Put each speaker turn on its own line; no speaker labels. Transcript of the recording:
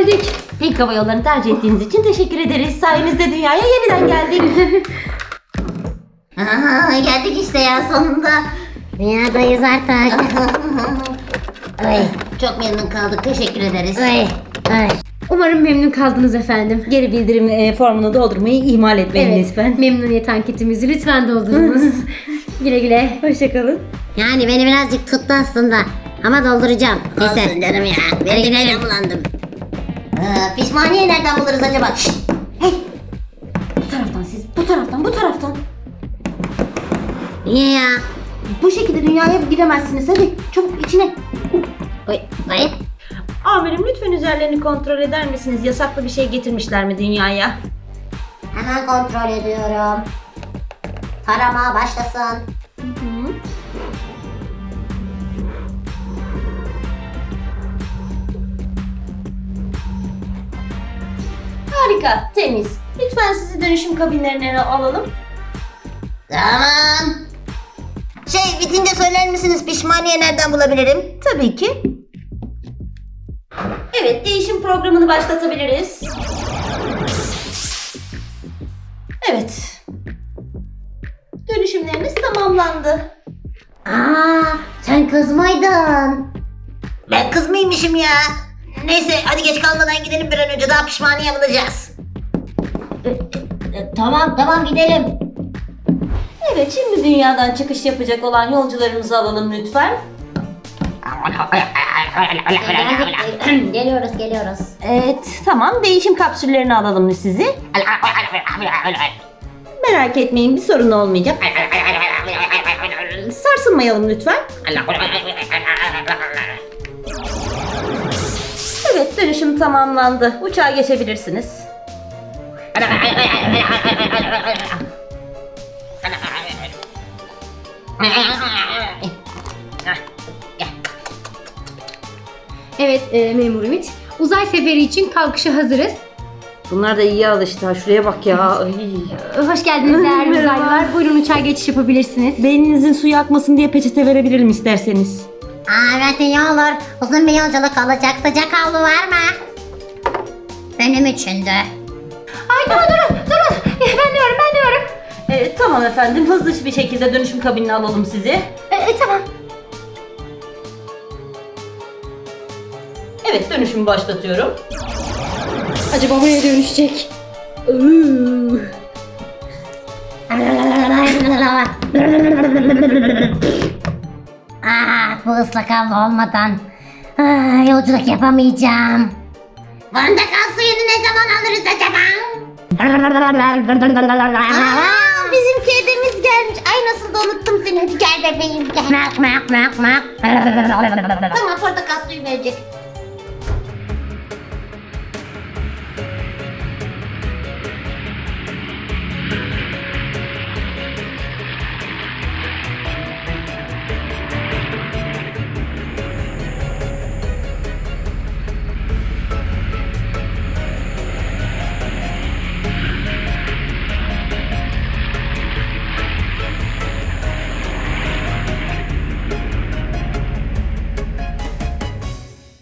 geldik.
Pink Hava Yolları'nı tercih ettiğiniz için teşekkür ederiz. Sayenizde dünyaya yeniden geldik.
Geldik işte ya sonunda. Dünyadayız artık. Ay, çok memnun kaldık. Teşekkür ederiz. Ay.
Umarım memnun kaldınız efendim.
Geri bildirim formunu doldurmayı ihmal etmeyin lütfen.
Memnuniyet anketimizi lütfen doldurunuz. Güle güle.
Hoşçakalın.
Yani beni birazcık tuttu aslında. Ama dolduracağım. Neyse.
Olsun canım ya. Ben de nereden bulandım?
Pişmaniye nereden buluruz acaba? Şşt! Hey!
Bu taraftan siz. Bu taraftan, bu taraftan.
Niye ya?
Bu şekilde dünyaya giremezsiniz. Hadi çabuk içine.
Ay.
Amirim lütfen üzerlerini kontrol eder misiniz? Yasaklı bir şey getirmişler mi dünyaya?
Hemen kontrol ediyorum. Tarama başlasın.
Harika, temiz. Lütfen sizi dönüşüm kabinlerine alalım.
Tamam. Bitince söyler misiniz pişmaniye nereden bulabilirim?
Tabii ki. Evet, değişim programını başlatabiliriz. Evet. Dönüşümleriniz tamamlandı.
Sen kız mıydın?
Ben kız mıymışım ya? Neyse hadi geç kalmadan gidelim bir an önce daha pişmaniye bulacağız.
Tamam gidelim.
Evet, şimdi dünyadan çıkış yapacak olan yolcularımızı alalım lütfen.
Geliyoruz.
Evet, tamam. Değişim kapsüllerini alalım sizi. Merak etmeyin, bir sorun olmayacak. Sarsılmayalım lütfen. Evet, dönüşüm tamamlandı. Uçağa geçebilirsiniz.
Evet memur Ümit. Uzay seferi için kalkışa hazırız.
Bunlar da iyi alıştı. Ha, şuraya bak ya. Ay.
Hoş geldiniz değerli
Merhaba.
uzaylılar. Buyurun uçağa geçiş yapabilirsiniz.
Beyninizin suyu akmasın diye peçete verebilirim isterseniz.
Evet iyi olur. Uzun bir yolculuk olacak. Sıcak havlu var mı? Benim için de.
Ay durun. Ben de varım.
Tamam efendim. Hızlı bir şekilde dönüşüm kabinine alalım sizi.
Tamam.
Evet, dönüşümü başlatıyorum.
Acaba buraya dönüşecek.
Bu ıslak havlu olmadan yolculuk yapamayacağım.
Fırında kal suyunu ne zaman alırız acaba? Bizim kedimiz gelmiş. Ay nasıl da unuttum seni. Hadi gel bebeğim gel. Tamam portakal suyu verecek.